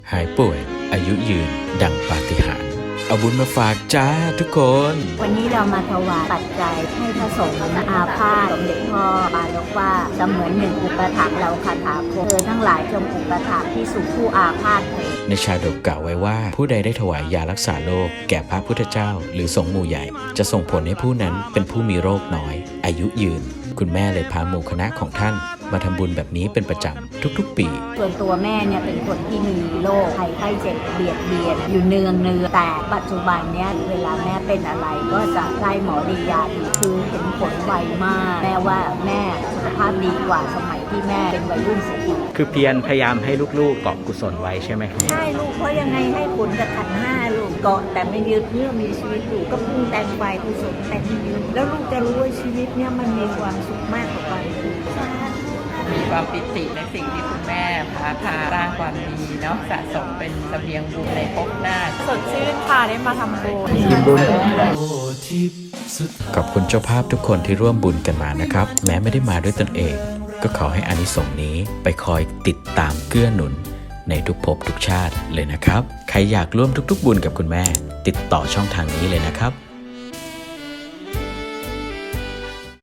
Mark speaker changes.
Speaker 1: หายป่วยอายุยืนดังปาฏิหาริย์เอาบุญมาฝากจ้าทุกคน
Speaker 2: วันนี้เรามาถวายปัจจัยให้พระสงฆ์อาพาธสมเด็จพ่อปาลกว่าเสมือนหนึ่งอุปถัมภ์เราคาถาโพเธอทั้งหลายจงอุปถัมภ์ที่สู่ผู้อาพาธเถิด
Speaker 1: ในชาดกกล่าวไว้ว่าผู้ใดได้ถวายยารักษาโรคแก่พระพุทธเจ้าหรือสงฆ์หมู่ใหญ่ จะส่งผลให้ผู้นั้นเป็นผู้มีโรคน้อย อายุยืน คุณแม่เลยพาหมู่คณะของท่านมาทำบุญแบบนี้เป็นประจำทุกๆปี
Speaker 2: ส่วนตัวแม่เนี่ยเป็นคนที่มีโรคภัยไข้เจ็บเบียดอยู่เนืองแต่ปัจจุบันเนี่ยเวลาแม่เป็นอะไรก็จะได้หมอดียาดีคือเห็นผลไวมากแม่ว่าแม่สุขภาพดีกว่าสมัยที่แม่เป็นวัยรุ่นเสียอีก
Speaker 3: คือเพียรพยายามให้ลูกๆเกาะกุศลไว้ใช่ไหมครับ
Speaker 2: ใช่ลูกเพราะยังไงให้ผลกับขันธ์ห้าลูกเกาะแต่ไม่ยืดเมื่อมีชีวิตอยู่ก็พุ่งแต่งไฟกุศลแต่งยืนแล้วลูกจะรู้ว่าชีวิตเนี่ยมันมีความสุขมากกว่าความทุกข์
Speaker 4: มีความปิติในสิ่งที่คุณแม่พาสร้างความดีเนาะสะสมเป็นเสบียงบุญในภพหน้า
Speaker 5: สดชื่นค่ะได้มาทำบุญ
Speaker 1: ขอบคุณเจ้าภาพทุกคนที่ร่วมบุญกันมานะครับ แม้ไม่ได้มาด้วยตนเอง ก็ขอให้อานิสงส์นี้ไปคอยติดตามเกื้อหนุนในทุกภพทุกชาติเลยนะครับ ใครอยากร่วมทุกๆบุญกับคุณแม่ ติดต่อช่องทางนี้เลยนะครับ